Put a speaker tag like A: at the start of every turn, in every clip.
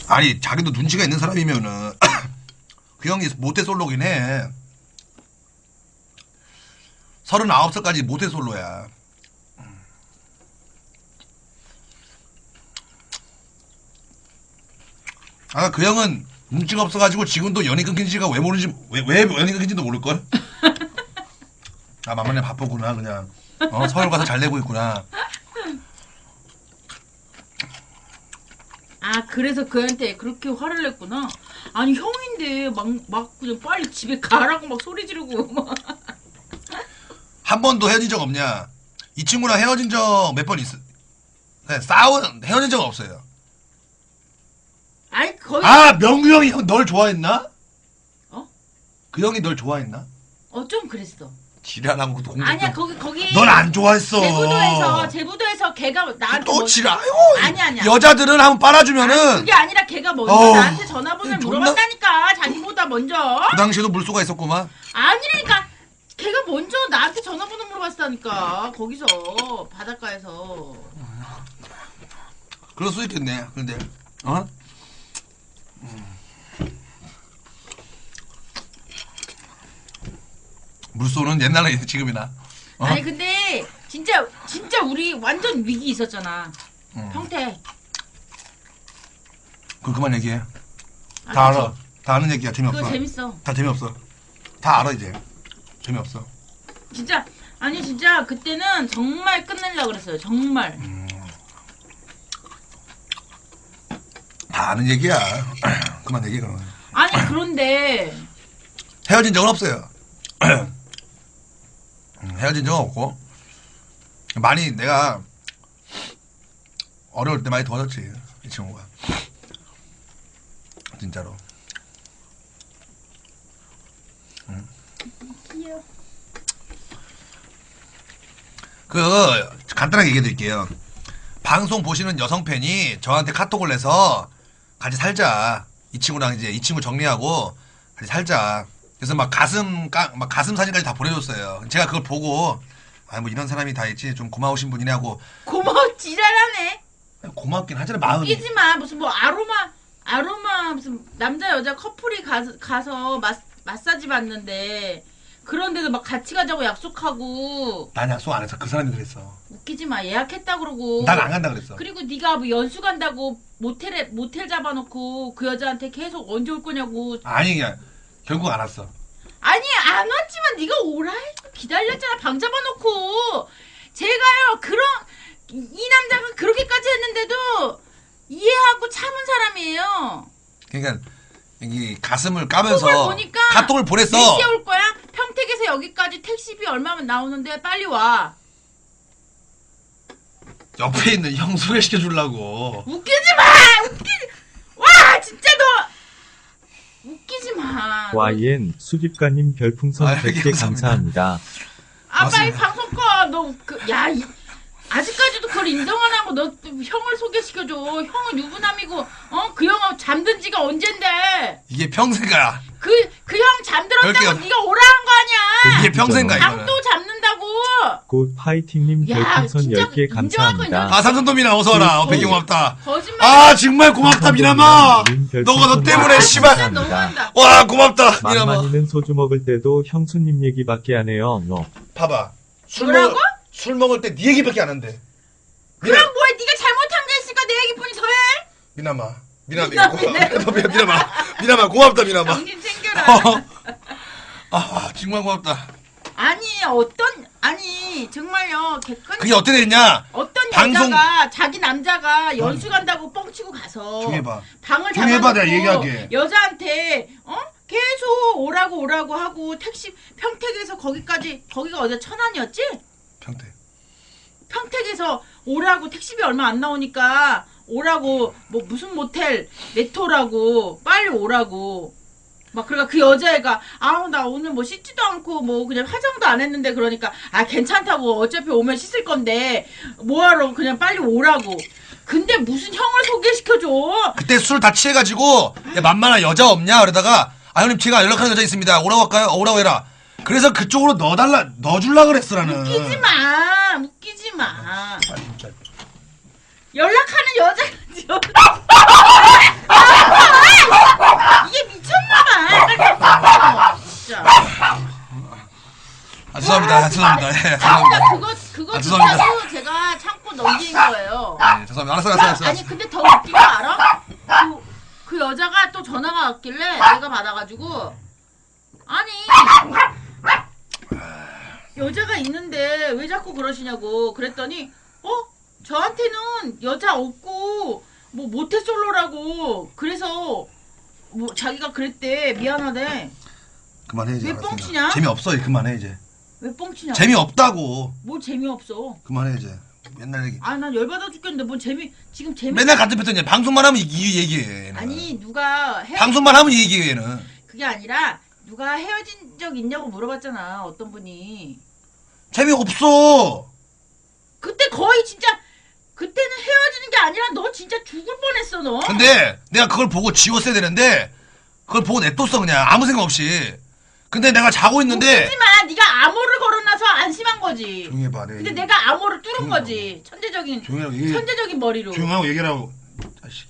A: 아니 자기도 눈치가 있는 사람이면은 그 형이 모태솔로긴 해. 39살까지 모태솔로야. 아, 그 형은 눈치가 없어가지고 지금도 연이 끊긴 지가 왜 모르는지, 왜 연이 끊긴지도 모를걸? 아, 만만해 바쁘구나, 그냥. 서울 가서 잘 내고 있구나.
B: 아, 그래서 그한테 그렇게 화를 냈구나. 아니, 형인데 막 그냥 빨리 집에 가라고 막 소리 지르고 막.
A: 한 번도 헤어진 적 없냐? 이 친구랑 헤어진 적 몇 번 있어? 네, 헤어진 적 없어요.
B: 아니, 거의.
A: 아, 명규 형이 널 좋아했나?
B: 어?
A: 그 형이 널 좋아했나?
B: 좀 그랬어.
A: 지랄하고 그것도 공격.
B: 아니야, 거기.
A: 넌 안 좋아했어.
B: 제부도에서 걔가 나한테.
A: 또 지랄.
B: 아니야.
A: 여자들은 한번 빨아주면은.
B: 아니, 그게 아니라 걔가 먼저 나한테 전화번호를 물어봤다니까. 자기보다 먼저.
A: 그 당시에도 물소가 있었구만.
B: 아니라니까. 걔가 먼저 나한테 전화번호 물어봤다니까. 거기서 바닷가에서.
A: 그럴 수 있겠네. 근데 물소는 옛날에 지금이나.
B: 아니 근데 진짜 우리 완전 위기 있었잖아. 평택.
A: 그럼 그만 얘기해. 다 알아. 다 아는 얘기야. 재미없어.
B: 그거 재밌어.
A: 다 재미없어. 다 알아 이제. 재미없어.
B: 진짜 아니 진짜 그때는 정말 끝내려고 그랬어요. 정말.
A: 다 아는 얘기야. 그만 얘기해 그럼.
B: 아니 그런데
A: 헤어진 적은 없어요. 헤어진 적은 없고 많이 내가 어려울 때 많이 도와줬지 이 친구가. 진짜로. 간단하게 얘기해 드릴게요. 방송 보시는 여성 팬이 저한테 카톡을 내서 같이 살자. 이 친구랑 이제 이 친구 정리하고 같이 살자. 그래서 막 가슴 사진까지 다 보내줬어요. 제가 그걸 보고 아 뭐 이런 사람이 다 있지 좀 고마우신 분이네 하고.
B: 고마워 지랄하네.
A: 고맙긴 하잖아 마음이.
B: 웃기지 마. 무슨 뭐 아로마 무슨 남자 여자 커플이 가서 마사지 받는데 그런데도 막 같이 가자고 약속하고.
A: 난 약속 안 했어. 그 사람이 그랬어.
B: 웃기지 마. 예약했다 그러고.
A: 난 안 간다 그랬어.
B: 그리고 네가 뭐 연수 간다고 모텔 잡아놓고 그 여자한테 계속 언제 올 거냐고.
A: 아니 결국 안 왔어.
B: 아니 안 왔지만 네가 오라 해서 기다렸잖아. 방 잡아놓고. 제가요 이 남자가 그렇게까지 했는데도 이해하고 참은 사람이에요.
A: 그러니까 이 가슴을 까면서
B: 톡을 보니까
A: 카톡을 보냈어.
B: 몇 시에 올 거야? 평택에서 여기까지 택시비 얼마면 나오는데 빨리 와.
A: 옆에 있는 형 소개시켜 주려고.
B: 웃기지 마! 와 진짜 너 웃기지 마.
C: YN 수집가님 별풍선 100개 감사합니다.
B: 빨리 방송 꺼. 너 아직까지도 그걸 인정 안 하고 너 형을 소개시켜줘. 형은 유부남이고 그 형은 잠든 지가 언젠데.
A: 이게 평생 가야.
B: 그 형 잠들었다고
A: 그럴게요.
B: 네가 오라 한 거 아니야.
A: 이게 평생 가 이거는.
B: 방도 잡는다고.
C: 곧 파이팅님
B: 야,
C: 별풍선
B: 진짜
C: 10개
B: 인정하고
C: 감사합니다.
A: 삼성도민아 어서 와라. 배경 고맙다.
B: 거짓말.
A: 아 정말 고맙다 미남아. 너가 너 때문에 씨발.
B: 진짜 너무한다.
A: 와 고맙다 미남아.
C: 만만이는 소주 먹을 때도 형수님 얘기밖에 안 해요. 너.
A: 봐봐.
B: 뭐라고?
A: 술 먹을 때 네 얘기밖에 안 한대.
B: 그럼 뭐해? 네가 잘못한 게 있으니까 내 얘기뿐이 더해.
A: 미남아 고맙다 미남아.
B: 정신 챙겨라.
A: 정말 고맙다.
B: 아니 정말요 객관.
A: 그게 어떻게 됐냐?
B: 어떤
A: 방송-
B: 여자가 자기 남자가 연수 간다고 뻥치고 가서
A: 조용히 해봐.
B: 방을
A: 조용히 해봐, 내가
B: 잡아놓고
A: 얘기하게.
B: 여자한테 계속 오라고 하고 택시 평택에서 거기가 어디야 천안이었지? 평택에서 오라고 택시비 얼마 안 나오니까 오라고 뭐 무슨 모텔 네토라고 빨리 오라고 막 그러니까 그 여자애가 나 오늘 뭐 씻지도 않고 뭐 그냥 화장도 안 했는데 그러니까 괜찮다고 어차피 오면 씻을 건데 뭐하러 그냥 빨리 오라고. 근데 무슨 형을 소개시켜줘.
A: 그때 술 다 취해가지고 야 만만한 여자 없냐 그러다가 형님 제가 연락하는 여자 있습니다. 오라고 할까요? 오라고 해라. 그래서 그쪽으로 넣어줄라 그랬어 나는.
B: 웃기지 마.
A: 아 진짜.
B: 연락하는 여자
A: 죄송합니다. 죄송합니다. 예, 죄송합니다.
B: 그거
A: 죄송합니다.
B: 진짜로 제가 참고 넘긴 거예요.
A: 네, 죄송합니다. 알았어.
B: 아니 근데 더 웃긴 거 알아? 그 여자가 또 전화가 왔길래 내가 받아가지고 아니 여자가 있는데 왜 자꾸 그러시냐고 그랬더니 저한테는 여자 없고 뭐 모태솔로라고 그래서 뭐 자기가 그랬대 미안하대.
A: 그만해 이제.
B: 왜
A: 알았으니까.
B: 뻥치냐?
A: 재미없어. 그만해 이제.
B: 왜 뻥치냐?
A: 재미없다고.
B: 뭐 재미없어.
A: 그만해 이제. 맨날 얘기.
B: 난 열받아 죽겠는데 뭔 지금 재미
A: 맨날 같은 패턴이야. 방송만 하면 이 얘기해. 얘는.
B: 아니 누가
A: 방송만 하면 이 얘기해 얘는.
B: 그게 아니라 누가 헤어진 적 있냐고 물어봤잖아 어떤 분이.
A: 재미없어.
B: 그때 거의 진짜 그때는 헤어지는 게 아니라 너 진짜 죽을 뻔했어 너.
A: 근데 내가 그걸 보고 지웠어야 되는데 그걸 보고 냅뒀어 그냥 아무 생각 없이. 근데 내가 자고 있는데
B: 웃기지만 네가 암호를 걸어놔서 안심한 거지.
A: 조용히 해봐.
B: 근데 내가 암호를 뚫은
A: 조용히
B: 거지. 천재적인
A: 조용히 하고 얘기해.
B: 천재적인 머리로.
A: 조용하고 얘기를 하고. 자식이.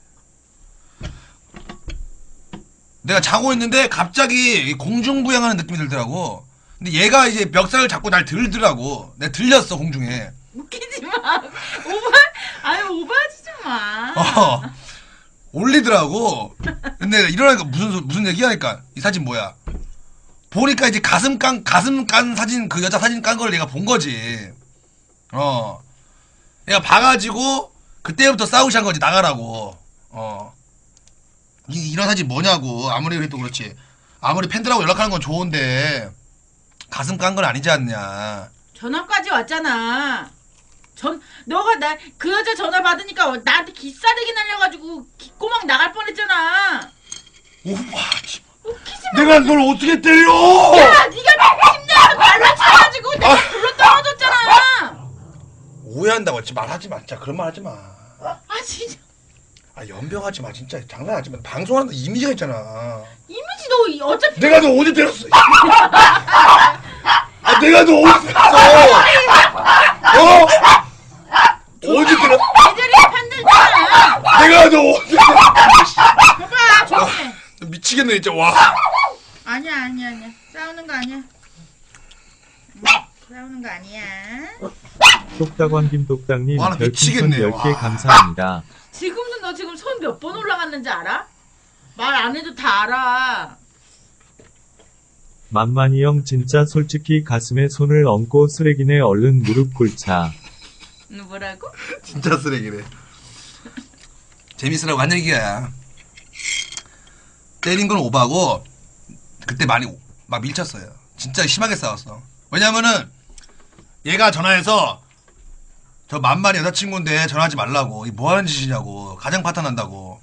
A: 내가 자고 있는데 갑자기 공중부양하는 느낌이 들더라고. 근데 얘가 이제 멱살을 잡고 날 들더라고. 내가 들렸어 공중에.
B: 웃기지 마. 오버하지 좀 마.
A: 올리더라고. 근데 일어나니까 무슨 얘기하니까 이 사진 뭐야? 보니까 이제 가슴 깐 사진 그 여자 사진 깐 걸 얘가 본 거지. 얘가 봐가지고 그때부터 싸우기 시작한 거지 나가라고. 이런 사진 뭐냐고. 아무리 그래도 그렇지. 아무리 팬들하고 연락하는 건 좋은데 가슴 깐 건 아니지 않냐.
B: 전화까지 왔잖아. 너가 그 여자 전화 받으니까 나한테 기싸대기 날려가지고 귓구멍 나갈 뻔했잖아.
A: 오빠,
B: 웃기지 마.
A: 내가 널 어떻게 때려?
B: 야, 네가 침대에서 발로 차가지고 내가 불러 떨어졌잖아.
A: 오해한다고 했지 말하지 마. 진짜 그런 말 하지 마.
B: 진짜.
A: 연병하지 마. 진짜 장난하지 마. 방송하는데 이미지가 있잖아.
B: 이미지 너 어차피
A: 내가 너 어디 때렸어? 내가 너 어디 때렸어? 어디 때렸어?
B: 애들이 편들잖아.
A: 내가 너 어디 때렸어?
B: 봐봐, 조용해.
A: 미치겠네 진짜. 와.
B: 아니야. 싸우는 거 아니야. 싸우는 거 아니야.
C: 똑딱왕 김똑딱님
A: 와, 나
C: 별풍선
A: 미치겠네.
C: 10개
A: 와.
C: 감사합니다.
B: 지금도 너 지금 손 몇 번 올라갔는지 알아? 말 안 해도 다 알아.
C: 만만이 형 진짜 솔직히 가슴에 손을 얹고 쓰레기네 얼른 무릎 꿇자.
B: 뭐라고?
A: 진짜 쓰레기래. 재밌으라고 한 얘기야. 때린 건 오바고 그때 많이 막 밀쳤어요. 진짜 심하게 싸웠어. 왜냐면은 얘가 전화해서 저 만만이 여자친구인데 전화하지 말라고. 이 뭐하는 짓이냐고. 가정 파탄 난다고.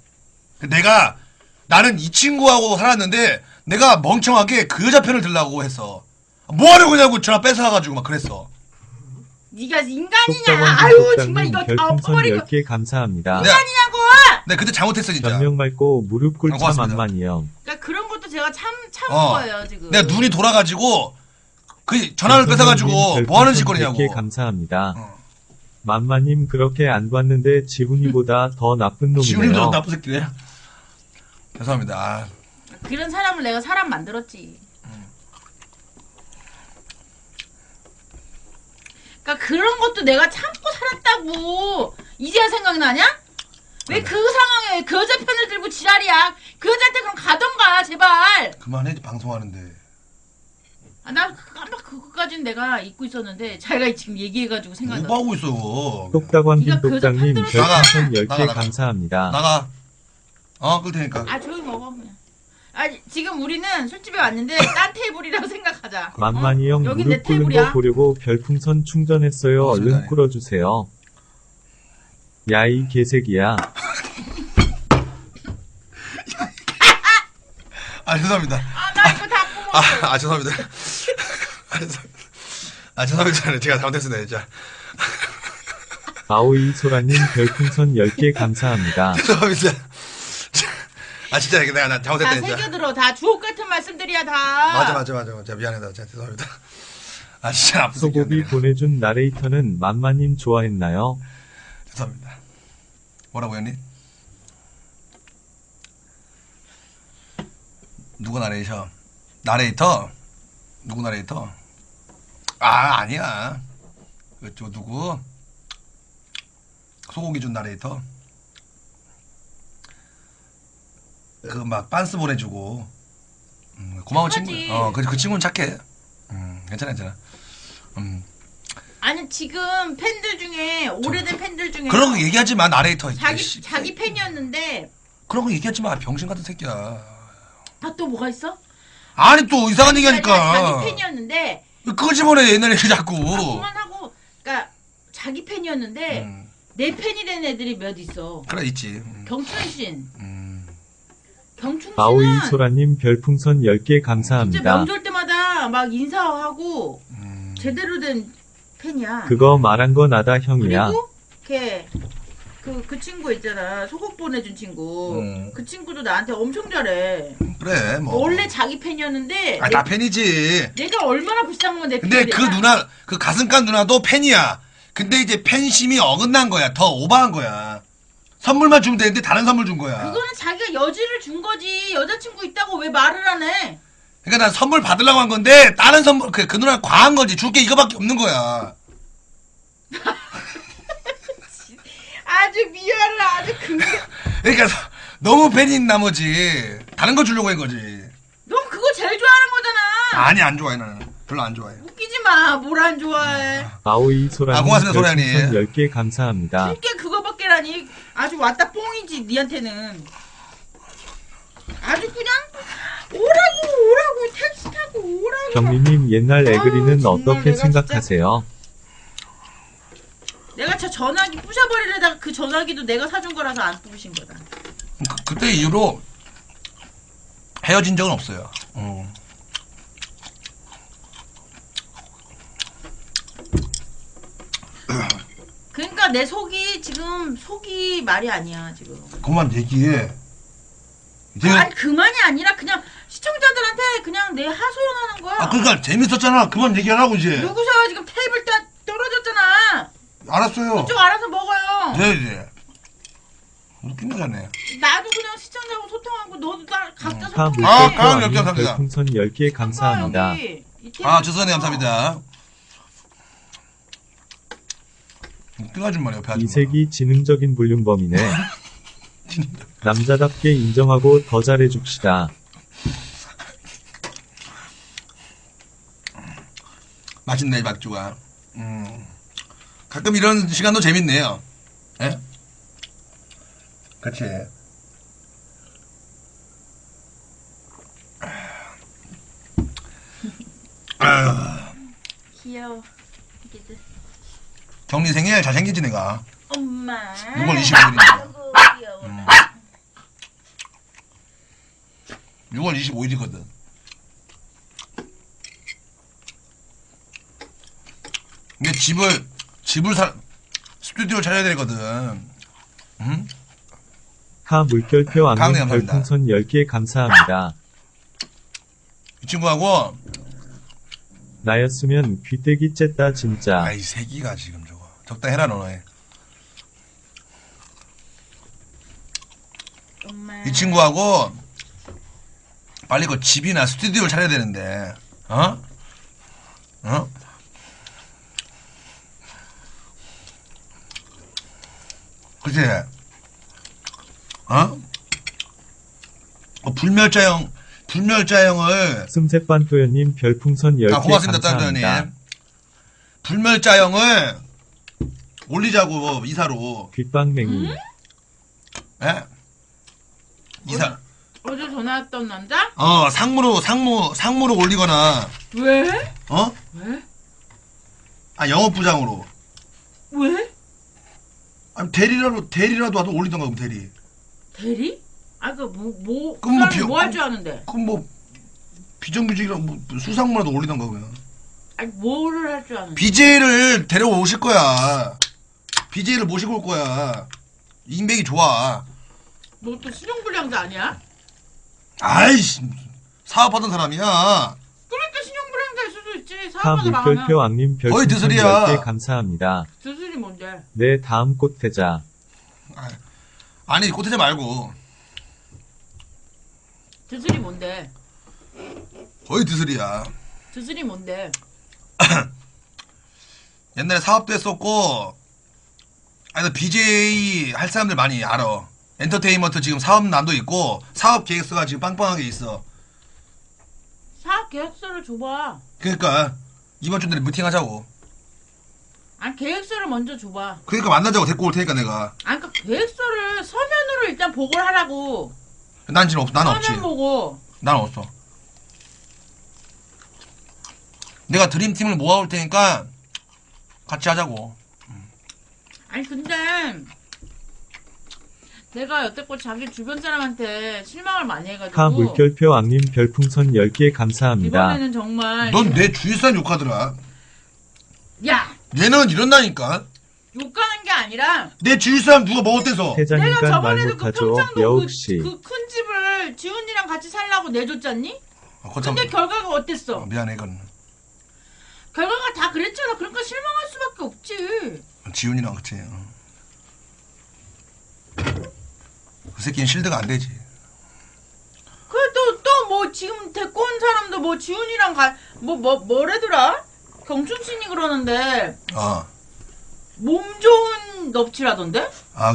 A: 나는 이 친구하고 살았는데 내가 멍청하게 그 여자 편을 들라고 했어. 뭐하려고 그냐고 전화 뺏어가지고 막 그랬어.
B: 네가 인간이냐?
C: 똑딱왕
B: 아유 정말
C: 김똑딱님
B: 이거 다
C: 별풍선
B: 엎어버리고
C: 10개 감사합니다.
B: 인간이냐고!
A: 네 그때 잘못했어 진짜.
C: 전명 밟고 무릎 꿇자
A: 고맙습니다.
C: 만만이 형.
B: 그러니까 그런 것도 제가 참은 거예요 지금.
A: 내가 눈이 돌아가지고 그 전화를 뺏어가지고 뭐하는 짓거리냐고.
C: 100개 감사합니다.
A: 어.
C: 만만님 그렇게 안 봤는데 지훈이보다 더 나쁜
A: 지훈이도
C: 놈이네요.
A: 나쁜 새끼네. 죄송합니다.
B: 그런 사람을 내가 사람 만들었지. 그러니까 그런 것도 내가 참고 살았다고. 이제야 생각나냐? 왜 그 상황에 그 여자 편을 들고 지랄이야? 그 여자한테 그럼 가던가 제발.
A: 그만해 방송하는데.
B: 나 깜빡 그거까지는 내가 잊고 있었는데 자기가 지금 얘기해가지고 생각나.
A: 뭐 하고 있어?
C: 똑딱왕
B: 네가 그 여자
C: 김똑딱님
B: 편들어서
C: 별풍선
A: 나가.
C: 10개
A: 나가.
C: 감사합니다.
A: 나가. 끌 테니까.
B: 조용히 먹어 그냥. 지금 우리는 술집에 왔는데 딴 테이블이라고 생각하자.
C: 만만이 형
B: 여긴 내
C: 무릎 꿇는
B: 테이블이야.
C: 거 보려고 별풍선 충전했어요.
A: 맞습니다.
C: 얼른 꿇어주세요. 야이 개새끼야.
A: 죄송합니다.
B: 나 이거 다 뽑았어.
A: 죄송합니다. 죄송합니다. 제가 잘못했습니다 진짜.
C: 아오이 소라님 별풍선 10개 감사합니다.
A: 죄송합니다. 진짜 내가
B: 다
A: 잘못했다 진짜.
B: 새겨들어. 다 주옥 같은 말씀들이야 다.
A: 맞아. 미안하다. 진짜 죄송합니다. 진짜 나쁜
C: 소고기
A: 새끼였네.
C: 보내준 나레이터는 만만님 좋아했나요?
A: 죄송합니다. 뭐라고 했니? 누구 나레이터? 누구 나레이터? 아니야. 저 누구? 소고기 준 나레이터. 그 막 빤스 보내주고. 고마운
B: 착하지.
A: 친구. 그 친구는 착해. 괜찮아.
B: 아니 지금 팬들 중에 오래된 팬들 중에
A: 그런 거 얘기하지 마, 나레이터.
B: 자기 팬이었는데
A: 그런 거 얘기하지 마, 병신 같은 새끼야.
B: 아 또 뭐가 있어?
A: 아니 또 이상한 얘기하니까.
B: 자기 팬이었는데
A: 그거 집어내 옛날 얘기 자꾸.
B: 그만하고 그러니까 자기 팬이었는데 내 팬이 된 애들이 몇 있어.
A: 그래 있지.
B: 경춘신. 경춘신은
C: 아오이 소라님 별풍선 10개
B: 진짜
C: 감사합니다.
B: 명절 때마다 막 인사하고 제대로 된 팬이야.
C: 그거 말한 거 나다 형이야.
B: 그리고 걔 그 친구 있잖아. 소곡 보내준 친구. 그 친구도 나한테 엄청 잘해.
A: 그래 뭐.
B: 원래 자기 팬이었는데
A: 다 팬이지.
B: 내가 얼마나 불쌍한 건내
A: 근데 그 누나, 그 가슴깐 누나도 팬이야. 근데 이제 팬심이 어긋난 거야. 더 오버한 거야. 선물만 주면 되는데 다른 선물 준 거야.
B: 그거는 자기가 여지를 준 거지. 여자친구 있다고 왜 말을 안 해?
A: 그러니까 난 선물 받으려고 한 건데 다른 선물 그 누나 과한 거지. 줄 게 이거밖에 없는 거야.
B: 아주 미안해. 아주
A: 그러니까 너무 팬인 나머지 다른 거 주려고 한 거지.
B: 넌 그거 제일 좋아하는 거잖아.
A: 아니 안 좋아해 나는. 별로 안 좋아해.
B: 웃기지 마. 뭘 안 좋아해.
C: 아오이 소라님
A: 고맙습니다, 소라님.
C: 별풍선 10개 감사합니다.
B: 줄게 그거밖에라니. 아주 왔다 뽕이지 니한테는. 아주 그냥 오라고 택시 타고 오라고.
C: 경리님 옛날 애그리는
B: 아유, 정말
C: 어떻게
B: 내가
C: 생각하세요?
B: 내가 저 전화기 부셔버리려다가 그 전화기도 내가 사준 거라서 안 부신 거다.
A: 그때 이후로 헤어진 적은 없어요.
B: 그러니까 내 속이 지금 속이 말이 아니야 지금.
A: 그만 얘기해.
B: 아니 그만이 아니라 그냥 시청자들한테 그냥 내 하소연하는 거야.
A: 그러니까 재밌었잖아. 그만 얘기하라고 이제.
B: 누구서 지금 테이블 다 떨어졌잖아.
A: 알았어요.
B: 그쪽 알아서 먹어요.
A: 네. 웃긴 거잖아요.
B: 나도 그냥 시청자하고 소통하고 너도 나 각자
C: 카
B: 소통해.
A: 아,
C: 물결표님
A: 감사합니다.
C: 별풍선 10개 감사합니다.
B: 여기 이 테이블
A: 주선이 감사합니다. 웃긴 아줌마네 옆에 아줌마.
C: 이색이 지능적인 불륜범이네. 남자답게 인정하고 더 잘해줍시다.
A: 맛있네 박주가. 가끔 이런 시간도 재밌네요. 예? 그치.
B: 귀여워. 이게들.
A: 정리 생일 잘생기지 내가.
B: 엄마.
A: 6월 25일인데.
B: 아이고 귀여워.
A: 6월 25일이거든. 근데 집을 스튜디오 차려야 되거든. 응?
C: 카 물결표
A: 강릉
C: 악님
A: 감사합니다.
C: 별풍선 10개 감사합니다.
A: 이 친구하고
C: 나였으면 귀때기 쨌다 진짜.
A: 아이 새끼가 지금 저거 적당 해라 너네.
B: 엄마.
A: 이 친구하고 빨리 그 집이나 스튜디오를 차려야 되는데 어? 그치? 불멸자형을
C: 슴새반도연님 별풍선 10개
A: 고맙습니다
C: 감사합니다.
A: 딴도현님. 불멸자형을 올리자고 이사로.
C: 귓방맹이.
A: 예? 이사.
B: 어제 전화 왔던 남자?
A: 상무로 올리거나,
B: 왜?
A: 왜?
B: 왜?
A: 영업부장으로.
B: 왜?
A: 아니, 대리라도 와도 올리던가, 그럼 대리.
B: 대리?
A: 그럼
B: 뭐 할 줄 아는데?
A: 그럼 비정규직이랑 수상무라도 올리던가, 그냥.
B: 아니, 뭐를 할 줄 아는데?
A: BJ를 데려오실 거야. BJ를 모시고 올 거야. 인맥이 좋아.
B: 너 또 신용불량자 아니야?
A: 아이씨, 사업하던 사람이야.
B: 그러니까 신용불량자일 수도 있지.
C: 카
B: 사업하다
C: 물결표
B: 망하면.
C: 악님
A: 거의
C: 별풍선
A: 드슬이야.
C: 10개 감사합니다.
B: 드슬이 뭔데?
C: 내 다음 꽃태자.
A: 아니, 꽃태자 말고.
B: 드슬이 뭔데?
A: 거의 드슬이야.
B: 드슬이 뭔데?
A: 옛날에 사업도 했었고, 아니, BJ 할 사람들 많이 알아. 엔터테인먼트 지금 사업난도 있고, 사업 계획서가 지금 빵빵하게 있어.
B: 사업 계획서를 줘봐.
A: 그러니까, 이번 주 내에 미팅 하자고.
B: 아니 계획서를 먼저 줘봐.
A: 그러니까 만나자고 데리고 올 테니까 내가.
B: 아니 그러니까 계획서를 서면으로 일단 보고를 하라고.
A: 난 지금 없어. 난 없지.
B: 서면 보고.
A: 난 없어. 내가 드림팀을 모아올 테니까 같이 하자고.
B: 아니 근데 내가 여태껏 자기 주변 사람한테 실망을 많이 해가지고
C: 하 물결표 악님 별풍선 10개 감사합니다.
B: 이번에는 정말
A: 넌 내 주위 사람 욕하더라.
B: 야
A: 얘는 이런다니까.
B: 욕하는 게 아니라
A: 내 주위 사람 누가 먹었대서.
B: 내가
C: 태자니까 말
B: 저번에도 그
C: 못하죠.
B: 평창도
C: 여욱씨.
B: 그 큰 집을 지훈이랑 같이 살라고 내줬잖니?
A: 거참.
B: 근데 결과가 어땠어?
A: 미안해 이건.
B: 결과가 다 그랬잖아. 그러니까 실망할 수밖에 없지.
A: 지훈이랑 그치. 그 새끼는 실드가 안 되지.
B: 그래도 또 뭐 지금 데리고 온 사람도 뭐 지훈이랑 뭐래더라? 경춘신이 그러는데
A: 어.
B: 몸 좋은 넙치라던데?
A: 아,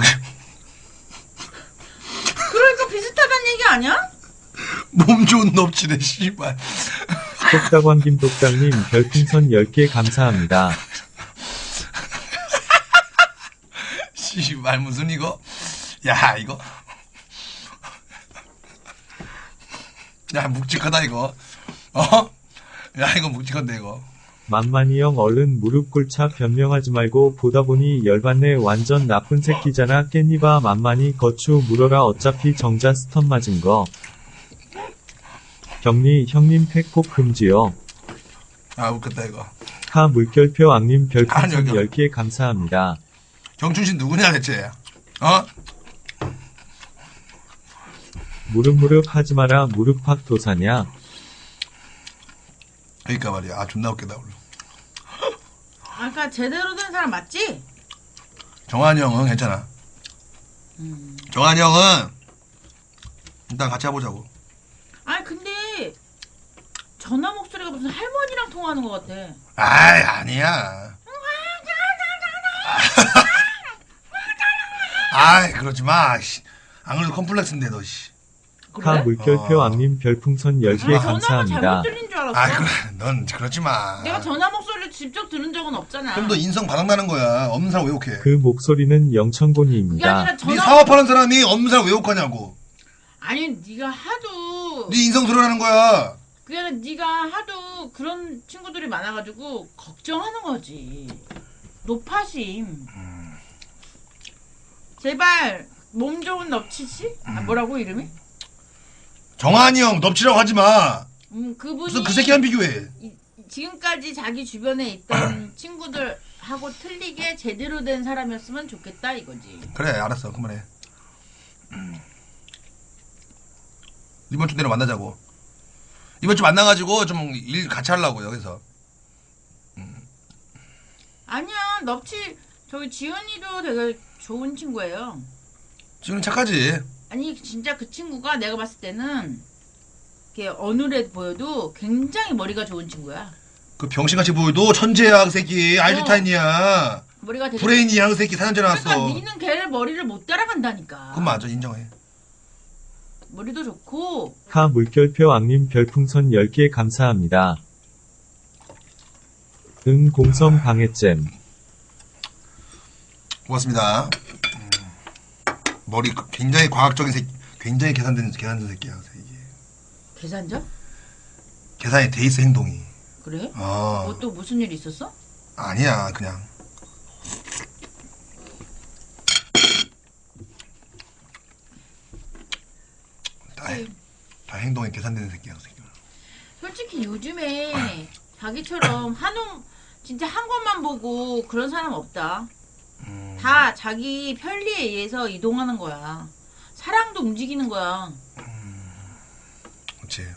B: 그러니까 비슷하다는 얘기 아니야?
A: 몸 좋은 넙치네, 씨발.
C: 똑딱왕 김똑딱님 별풍선 10개 감사합니다.
A: 씨발, 무슨 이거? 야, 이거. 야, 묵직하다, 이거. 어? 야, 이거 묵직한데, 이거.
C: 만만이 형 얼른 무릎 꿇자 변명하지 말고 보다 보니 열받네. 완전 나쁜 새끼잖아. 깻잎아 만만이 거추 물어라. 어차피 정자 스턴 맞은 거. 격리 형님 팩폭 금지요.
A: 아, 웃겼다, 이거.
C: 하 물결표 악님
A: 아니,
C: 별풍선
A: 여기.
C: 10개 감사합니다.
A: 경춘신 누구냐, 대체? 어?
C: 무릎 하지 마라. 무릎팍 도사냐.
A: 그러니까 말이야. 아, 존나 웃기다, 오늘.
B: 아까 제대로 된 사람 맞지?
A: 정한이 형은 괜찮아. 정한이 형은 일단 같이 해보자고.
B: 아니 근데 전화 목소리가 무슨 할머니랑 통화하는 것 같아.
A: 아이, 아니야. 아이, 그러지 마. 씨. 안 그래도 컴플렉스인데, 너, 씨.
C: 하 물결표 악님 별풍선 10개
B: 전화가
C: 감사합니다.
B: 잘못 들린 줄 알았어.
A: 아이, 그래. 넌 그러지 마.
B: 내가 전화 목소리를 직접 들은 적은 없잖아.
A: 그럼 너 인성 바닥나는 거야. 없는 사람 왜 욕해?
C: 그 목소리는
B: 그게
C: 영천곤이입니다.
B: 아니라
A: 네
B: 전화
A: 사업하는 사람이 없는 사람 왜 욕하냐고.
B: 아니 네가 하도
A: 네 인성 드러나는 거야.
B: 그게 아니라 네가 하도 그런 친구들이 많아가지고 걱정하는 거지. 노파심. 제발 몸 좋은 넙치씨? 아, 뭐라고 이름이?
A: 정한이 형 넙치라고 하지 마.
B: 그분이
A: 무슨 그 새끼랑 비교해.
B: 지금까지 자기 주변에 있던 친구들하고 틀리게 제대로 된 사람이었으면 좋겠다 이거지.
A: 그래, 알았어. 그만해. 이번 주 내로 만나자고. 이번 주 만나가지고 좀 일 같이 하려고 여기서.
B: 아니야 넙치 저기 지은이도 되게 좋은 친구예요.
A: 지금 착하지.
B: 아니 진짜 그 친구가 내가 봤을 때는 이렇게 어느래 보여도 굉장히 머리가 좋은 친구야.
A: 그 병신같이 보여도 천재야, 그 새끼. 아인슈타인이야.
B: 머리가 되게
A: 브레인이야, 그 새끼. 사년제 나왔어.
B: 그러니까 니는 걔를 머리를 못 따라간다니까.
A: 그건 맞아, 인정해.
B: 머리도 좋고
C: 하 물결표 악님 별풍선 10개 감사합니다. 공성 방해잼.
A: 고맙습니다. 머리 굉장히 과학적인 새끼, 굉장히 계산된 새끼야, 그 새끼.
B: 계산자?
A: 계산이 돼 있어, 행동이.
B: 그래?
A: 어.
B: 뭐 또 무슨 일 있었어?
A: 아니야, 그냥. 다 행동이 계산되는 새끼야, 그 새끼.
B: 솔직히 요즘에 자기처럼 한놈 진짜 한 것만 보고 그런 사람 없다. 다 자기 편리에 의해서 이동하는 거야. 사랑도 움직이는 거야.
A: 그렇지.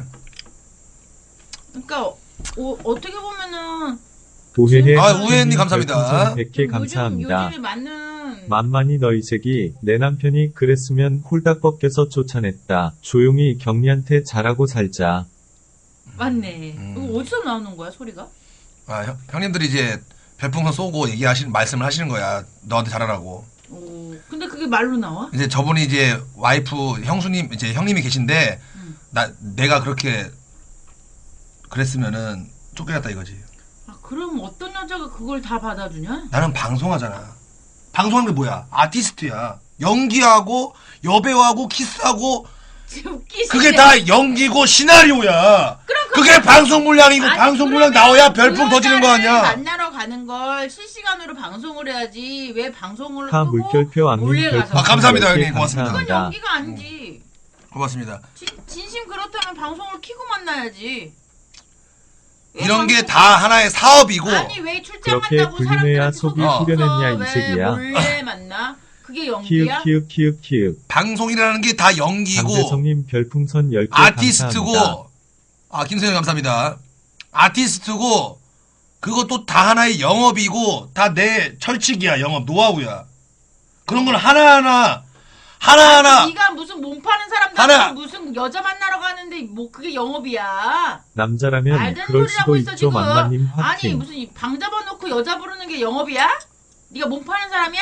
B: 그러니까 어떻게 보면은
C: 우회해
A: 아, 우회해님 감사합니다.
C: 별풍선 100개 감사합니다.
B: 요즘에 맞는
C: 만만히 너희 새끼 내 남편이 그랬으면 홀딱 벗겨서 쫓아냈다. 조용히 경리한테 잘하고 살자.
B: 맞네. 이거 어디서 나오는 거야 소리가?
A: 아, 형님들이 이제 별풍선 쏘고 말씀을 하시는 거야. 너한테 잘하라고.
B: 오, 근데 그게 말로 나와?
A: 이제 저분이 이제 와이프 형수님 이제 형님이 계신데 내가 그렇게 그랬으면은 쫓겨났다 이거지.
B: 아, 그럼 어떤 여자가 그걸 다 받아주냐?
A: 나는 방송하잖아. 방송하는 게 뭐야? 아티스트야. 연기하고 여배우하고 키스하고
B: 진짜 웃기시네.
A: 그게 다 연기고 시나리오야. 그게 방송 물량이고
B: 아니,
A: 방송 물량
B: 그러면
A: 나와야 별풍 터지는 거
B: 여자를
A: 아니야.
B: 만나러 가는 걸 실시간으로 방송을 해야지. 왜 방송을
C: 타
B: 끄고
C: 물결표 악님
B: 몰래 가서.
C: 별풍선
A: 감사합니다,
C: 10개
A: 형님. 고맙습니다.
B: 그건
C: 감사합니다.
B: 연기가 아니지.
A: 고맙습니다.
B: 진심 그렇다면 방송을 키고 만나야지. 왜
A: 이런 게
B: 방송-
A: 다 하나의 사업이고
B: 아니 왜 출장
C: 그렇게
B: 간다고
C: 불륜해야
B: 사람들한테
C: 속이
B: 속여서
C: 후련했냐, 이
B: 왜
C: 새끼야.
B: 몰래 만나? 그게
C: 키읔
B: 연기야?
C: 키읔 키읔 키읔.
A: 방송이라는 게 다 연기고
C: 강재성님 별풍선 10개 감사합니다.
A: 아티스트고 김세현 감사합니다. 아티스트고 그것도 다 하나의 영업이고 다 내 철칙이야. 영업 노하우야. 그런 건 하나하나
B: 네가 무슨 몸 파는 사람들
A: 하나.
B: 무슨 여자 만나러 가는데 뭐 그게 영업이야?
C: 남자라면
B: 말든
C: 그럴
B: 소리를 하고
C: 수도
B: 있어
C: 있죠.
B: 지금.
C: 만만님
B: 아니
C: 화팅.
B: 무슨 방 잡아놓고 여자 부르는 게 영업이야? 네가 몸 파는 사람이야?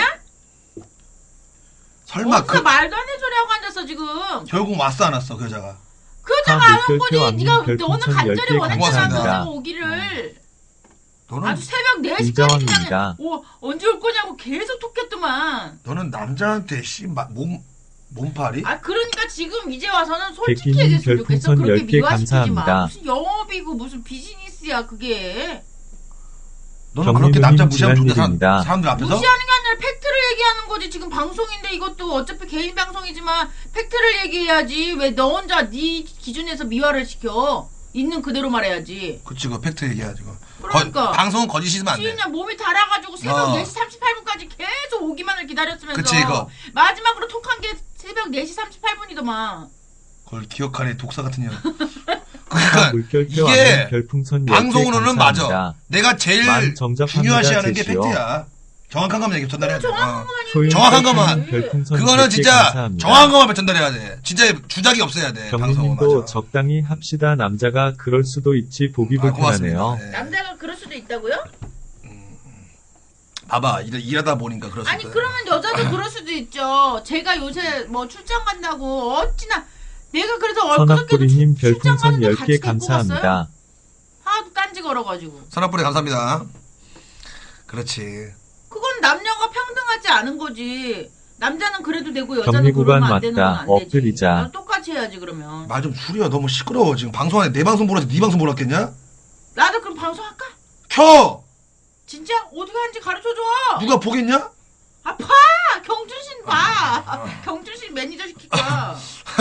A: 설마
B: 어디서 말도 안 되는 소리 하고 앉았어 지금.
A: 결국 왔어 안 왔어 그 여자가.
B: 그 여자가 안 온
C: 물결표
B: 거지.
C: 악님
B: 네가 너는
C: 별풍선
B: 간절히
C: 10개
B: 원했잖아 그
A: 감사합니다.
B: 여자가 오기를.
A: 너는
B: 아주 새벽 4시까지
C: 이자왕입니다.
B: 그냥 언제 올 거냐고 계속 톡했더만.
A: 너는 남자한테 몸팔이?
B: 아 그러니까 지금 이제 와서는 솔직히
C: 백기님
B: 얘기했으면 좋겠어.
C: 별풍선
B: 그렇게
C: 10개
B: 미화시키지 마.
C: 감사합니다.
B: 무슨 영업이고 무슨 비즈니스야 그게.
A: 너는 그렇게 남자 무시하면
C: 지난
A: 좋겠다
C: 일입니다.
A: 사람들 앞에서?
B: 무시하는 게 아니라 팩트를 얘기하는 거지. 지금 방송인데 이것도 어차피 개인 방송이지만 팩트를 얘기해야지. 왜 너 혼자 네 기준에서 미화를 시켜. 있는 그대로 말해야지.
A: 그치 그 팩트 얘기해야지 그거.
B: 그러니까.
A: 방송은 거짓이면 안 돼.
B: 지인이야 몸이 달아가지고 새벽
A: 어.
B: 4시 38분까지 계속 오기만을 기다렸으면서
A: 그치, 이거.
B: 마지막으로 톡한 게 새벽 4시 38분이더만.
A: 그걸 기억하네 독사 같은 년.
C: 타
A: 그러니까
C: 물결표
A: 이게
C: 악님 별풍선 10개
A: 방송으로는 맞아.
C: 감사합니다.
A: 내가 제일
C: 만 정답합니다,
A: 중요시하는 게
C: 제시요.
A: 팩트야. 정확한 것만 얘기 전달해야 돼.
B: 정확한
A: 어.
B: 것만
C: 소윤
A: 정확한
C: 별풍선
A: 것만.
C: 별풍선
A: 그거는
C: 100개
A: 진짜
C: 감사합니다.
A: 정확한 것만 전달해야 돼. 진짜 주작이 없어야 돼. 방송은
C: 경민님도
A: 맞아.
C: 적당히 합시다. 남자가 그럴 수도 있지. 보기 불편하네요.
A: 고맙습니다. 예.
B: 남자가 그럴 수도 있다고요?
A: 봐봐 일하다 보니까 그럴 수
B: 아니
A: 있거든.
B: 그러면 여자도 그럴 수도 있죠. 제가 요새 뭐 출장 간다고 어찌나 내가 그래서 엊그저께도
C: 선악부리님
B: 출장
C: 별풍선
B: 가는데 같이
C: 10개
B: 데리고
C: 감사합니다.
B: 갔어요? 하도 딴지 걸어가지고.
A: 선악불이 감사합니다. 그렇지.
B: 그건 남녀가 평등하지 않은 거지. 남자는 그래도 되고 여자는
C: 격리 구간
B: 그러면 안 되는 건
C: 맞다.
B: 안 되지.
C: 엎드리자.
B: 난 똑같이 해야지 그러면.
A: 말 좀 줄여. 너무 시끄러워. 지금 방송 안에 내 방송 보라지 네 방송 보라겠냐?
B: 나도 그럼 방송할까?
A: 켜!
B: 진짜 어디 가는지 가르쳐줘.
A: 누가 보겠냐?
B: 아 봐. 경준신 봐. 경준신 매니저 시킬까.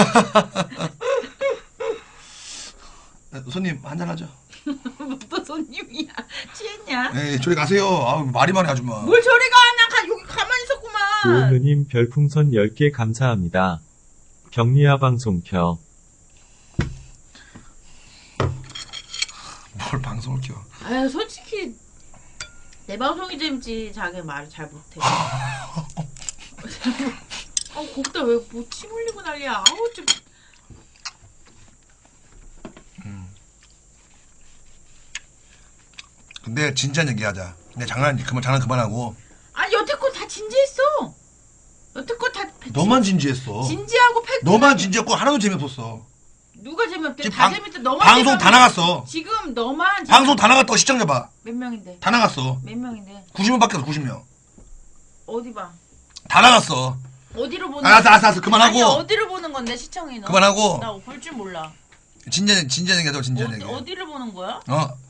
A: 손님 한잔 하죠.
B: 또 손님이야. 취했냐?
A: 에이 저리 가세요. 아우 말이 많네 아줌마.
B: 뭘 저리 가. 나 여기 가만히 있었구만.
C: 오은우님 별풍선 10개 감사합니다. 격리야 방송 켜.
A: 뭘 방송을 켜.
B: 아유 솔직히 내 방송이 재밌지. 자기 말을 잘 못해. 거기다 왜 뭐 침 흘리고 난리야. 아우 좀.
A: 근데 진지한 얘기하자. 근데 장난 그만하고.
B: 아니 여태껏 다 진지했어. 여태껏 다
A: 너만 진지했어.
B: 진지하고 팩트.
A: 너만 진지했고 하나도 재미없었어.
B: 누가 재미없대?
A: 지금
B: 다 재밌대. 너만
A: 방송
B: 재미없-
A: 다 나갔어.
B: 지금 너만
A: 방송 다 나갔다고 시청자 봐.
B: 몇 명인데?
A: 다 나갔어.
B: 몇 명인데?
A: 90명밖에 없어 90명.
B: 어디 봐?
A: 다 나갔어.
B: 어디로 보는?
A: 알았어 그만하고.
B: 아니 어디로 보는 건데 시청이 너?
A: 그만하고.
B: 나 볼 줄 몰라.
A: 진지한 얘기하자 진지한 얘기.
B: 어디를 보는 거야?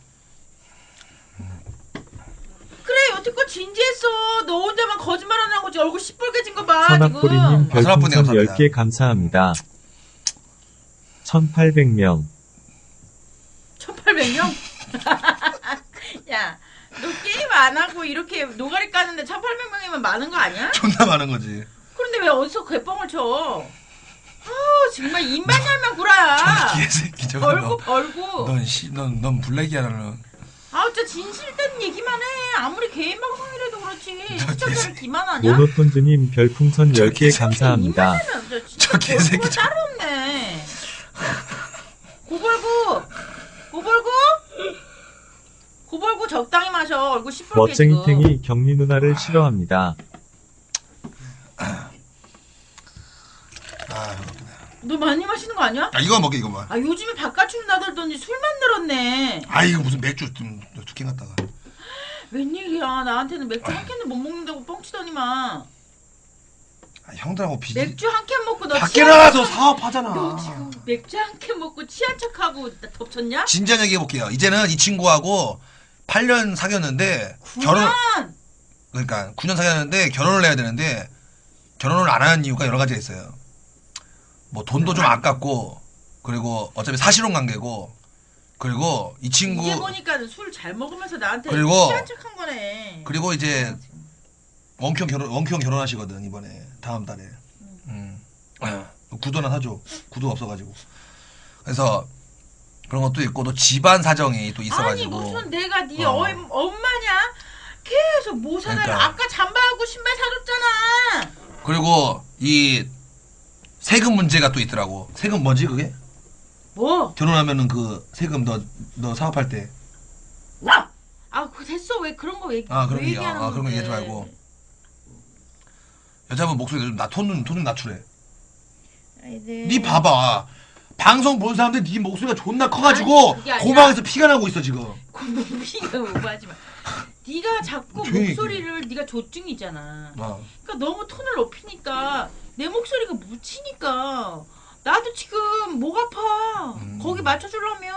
B: 그래 여태껏 진지했어. 너 혼자만 거짓말 안 하고 얼굴 시뻘개진 거 봐.
C: 선악부리님
B: 지금.
A: 선악부리
C: 별풍선
A: 감사합니다.
C: 10개 감사합니다. 1800명.
B: 1800명? 야, 너 게임 안 하고 이렇게 노가리 까는데 1800명이면 많은 거 아니야?
A: 존나 많은 거지.
B: 그런데 왜 어디서 개뻥을 쳐? 아 정말 입만 열면 구라야.
A: 개새끼 저거.
B: 벌고.
A: 넌 블랙이야 너는.
B: 아 진짜 진실된 얘기만 해. 아무리 개인 방송이라도 그렇지. 시청자를 기만하냐?
C: 모노톤즈님 별풍선
A: 저
C: 10개 감사합니다.
B: 저
A: 개새끼
B: 개새끼 따로 없네. 고벌구 고벌고 적당히 마셔. 얼굴 시뻘게 지금.
C: 멋쟁이탱이 경리 누나를 싫어합니다.
A: 아, 그렇구나.
B: 너 많이 마시는 거 아니야?
A: 야, 이거 먹게, 이거 봐.
B: 아 요즘에 바깥으로 나들더니 술만 늘었네.
A: 아, 이거 무슨 맥주 좀 두 캔 갖다가.
B: 웬일이야. 나한테는 맥주 한 캔도 못 먹는다고 뻥치더니만.
A: 아, 형들하고
B: 맥주 한 캔 먹고 너
A: 밖에
B: 취한
A: 나가서
B: 척-
A: 사업하잖아.
B: 너 지금 맥주 한 캔 먹고 취한 척하고 나 덮쳤냐?
A: 진지한 얘기 해볼게요. 이제는 이 친구하고 8년 사귀었는데
B: 9년!
A: 그러니까 9년 사귀었는데 결혼을 해야 되는데 결혼을 안 하는 이유가 여러 가지가 있어요. 뭐 돈도 좀 아깝고 그리고 어차피 사실혼 관계고 그리고 이 친구
B: 이제 보니까 술 잘 먹으면서 나한테
A: 그리고-
B: 취한 척한 거네.
A: 그리고 이제 원큐 형 결혼하시거든 이번에 다음 달에. 구두나 사줘. 구두 없어가지고. 그래서 그런 것도 있고 또 집안 사정이 또
B: 아니
A: 있어가지고.
B: 무슨 내가 네
A: 어.
B: 엄마냐? 계속 뭐 사달라.
A: 그러니까.
B: 아까 잠바하고 신발 사줬잖아.
A: 그리고 이 세금 문제가 또 있더라고. 세금 뭐지 그게?
B: 뭐?
A: 결혼하면은 그 세금 너 사업할 때.
B: 와! 아 그거 됐어. 왜 그런 거
A: 아, 그런
B: 왜
A: 거
B: 얘기하는
A: 그런 거
B: 건데.
A: 얘기하지 말고. 여자분 목소리 톤 낮추래. 니 봐봐. 방송 본 사람들 니 목소리가 존나 커가지고
B: 아니, 그게 아니라-
A: 고막에서 피가 나고 있어 지금.
B: 고민이가 오버하지 마. 네가 자꾸
A: 조용히
B: 목소리를 네가 조증이잖아.
A: 어.
B: 그러니까 너무 톤을 높이니까 내 목소리가 묻히니까 나도 지금 목 아파. 거기 맞춰주려면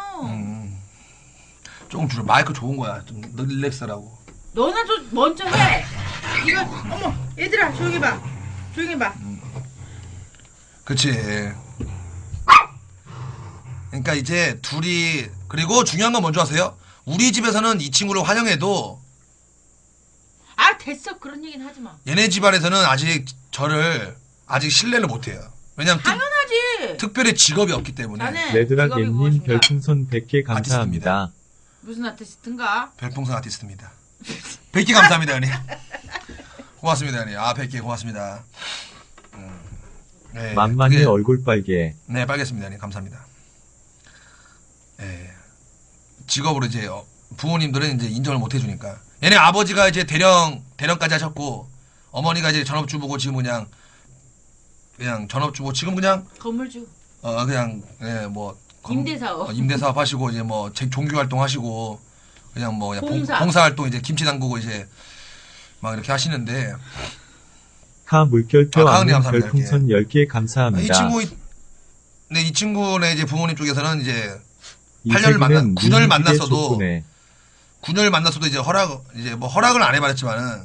A: 조금 줄여. 마이크 좋은 거야. 좀 릴렉스라고.
B: 너나 좀 먼저 해. 이거 어머 얘들아 조용히 봐. 조용히 봐.
A: 그치. 그러니까 이제 둘이 그리고 중요한 건 뭔지 아세요? 우리 집에서는 이 친구를 환영해도
B: 아 됐어 그런 얘기는 하지 마.
A: 얘네 집안에서는 아직 저를 아직 신뢰를 못해요. 왜냐면
B: 당연하지.
A: 특별히 직업이 없기 때문에.
B: 자네 직업이
C: 레드락엠님
B: 무엇인가?
C: 별풍선 100개 감사합니다.
B: 무슨 아티스트인가?
A: 별풍선 아티스트입니다. 100개 감사합니다, 형님. 고맙습니다, 형님. 아, 100개 고맙습니다. 네,
C: 만만히
A: 그게-
C: 얼굴 빨개.
A: 네, 빨겠습니다, 형님. 감사합니다. 네. 직업으로 이제 부모님들은 이제 인정을 못 해주니까. 얘네 아버지가 이제 대령까지 하셨고, 어머니가 이제 전업주부고 지금 그냥 전업주부 지금 그냥
B: 건물주.
A: 그냥 예, 뭐
B: 임대사업.
A: 임대사업 하시고 이제 뭐 종교 활동 하시고 그냥 뭐 그냥
B: 봉사.
A: 봉사 활동 이제 김치 담그고 이제 막 이렇게 하시는데
C: 하 물결표
A: 아,
C: 않는
A: 감사합니다.
C: 별풍선 10개
A: 이
C: 감사합니다.
A: 이 친구네 이제 부모님 쪽에서는 이제
C: 이세기는
A: 9년을
C: 민기계
A: 만났어도
C: 족구네.
A: 9년을 만났어도 이제 허락을 안 해봤지만은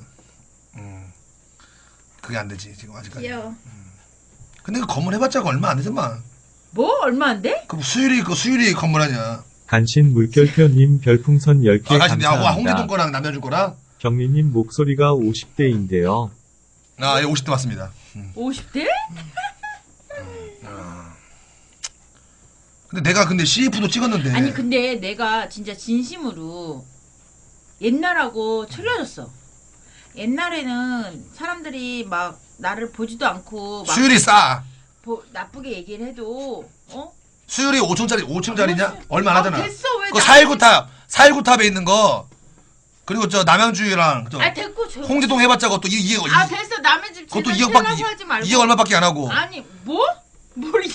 A: 그게 안 되지 지금 아직까지.
B: 귀여워.
A: 근데 그 건물 해봤자 얼마 안 되지만
B: 뭐 얼마 안 돼?
A: 그 수율이 건물 아니야.
C: 간신 물결표님 별풍선 10개
A: 아, 가시 와 홍대동
C: 감사합니다.
A: 거랑 남자줄 거랑
C: 경리님 목소리가 50대인데요.
A: 아, 예, 50대 맞습니다.
B: 50대?
A: 근데 내가 CF도 찍었는데.
B: 아니 근데 내가 진짜 진심으로 옛날하고 틀려졌어. 옛날에는 사람들이 막 나를 보지도 않고 막
A: 수율이 싸.
B: 나쁘게 얘기를 해도
A: 수율이 5층짜리냐? 얼마 안 하잖아.
B: 됐어 왜?
A: 그
B: 나-
A: 419탑에 있는 거. 그리고 저 남양주랑 저
B: 아 됐고 저.
A: 홍대동 해봤자 그것도
B: 아 됐어 남의 집
A: 그것도
B: 집에
A: 2억밖에
B: 하지 말고.
A: 2억 얼마밖에 안 하고.
B: 아니 뭐? 뭘